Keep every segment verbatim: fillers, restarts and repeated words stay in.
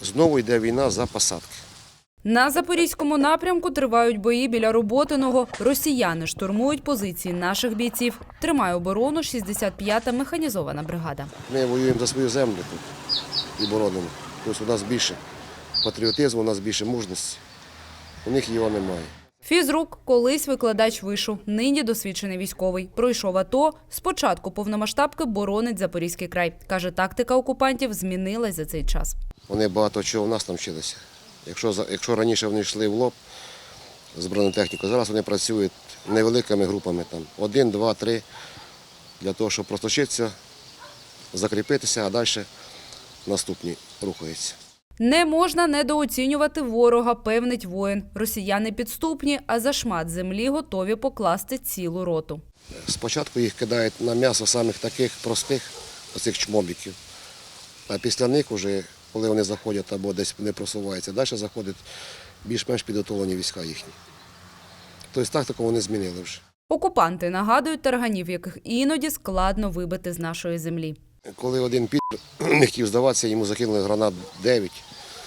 знову йде війна за посадки. На Запорізькому напрямку тривають бої біля Роботиного. Росіяни штурмують позиції наших бійців. Тримає оборону шістдесят п'ята механізована бригада. Ми воюємо за свою землю тут і боронимо. Тобто у нас більше патріотизму, у нас більше мужності. У них його немає. Фізрук – колись викладач вишу, нині досвідчений військовий. Пройшов АТО, спочатку повномасштабки боронить Запорізький край. Каже, тактика окупантів змінилась за цей час. Вони багато чого в нас там вчилися. Якщо, якщо раніше вони йшли в лоб з бронетехнікою, зараз вони працюють невеликими групами, там, один, два, три, для того, щоб просточитися, закріпитися, а далі наступні рухаються. Не можна недооцінювати ворога, певнить воїн. Росіяни підступні, а за шмат землі готові покласти цілу роту. Спочатку їх кидають на м'ясо самих таких простих, оцих чмобіків, а після них, вже, коли вони заходять або десь не просуваються, далі заходять більш-менш підготовлені війська їхні. Тобто тактику вони змінили вже. Окупанти нагадують тарганів, яких іноді складно вибити з нашої землі. Коли один пі*** не хотів здаватися, йому закинули гранат дев'ять.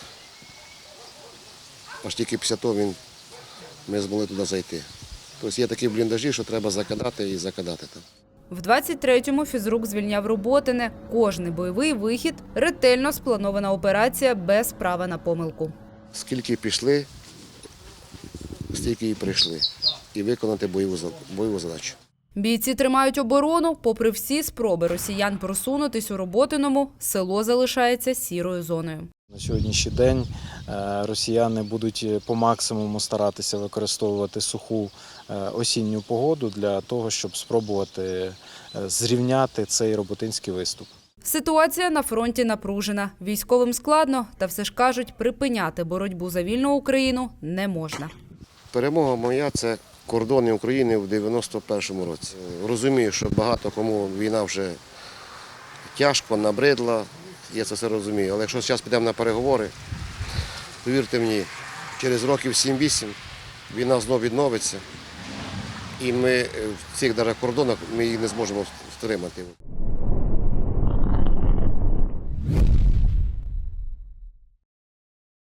Аж тільки після того він, ми змогли туди зайти. Тобто є такі бліндажі, що треба закидати і закидати там. В двадцять третьому фізрук звільняв Роботине. Кожний бойовий вихід – ретельно спланована операція без права на помилку. Скільки пішли, стільки і прийшли. І виконати бойову, бойову задачу. Бійці тримають оборону. Попри всі спроби росіян просунутись у Роботиному, село залишається сірою зоною. На сьогоднішній день росіяни будуть по максимуму старатися використовувати суху осінню погоду для того, щоб спробувати зрівняти цей роботинський виступ. Ситуація на фронті напружена. Військовим складно, та все ж кажуть, припиняти боротьбу за вільну Україну не можна. Перемога моя – це кордони України в дев'яносто першому році. Розумію, що багато кому війна вже тяжко, набридла, я це все розумію. Але якщо зараз підемо на переговори, повірте мені, через років сім-вісім війна знову відновиться, і ми в цих навіть кордонах ми її не зможемо втримати.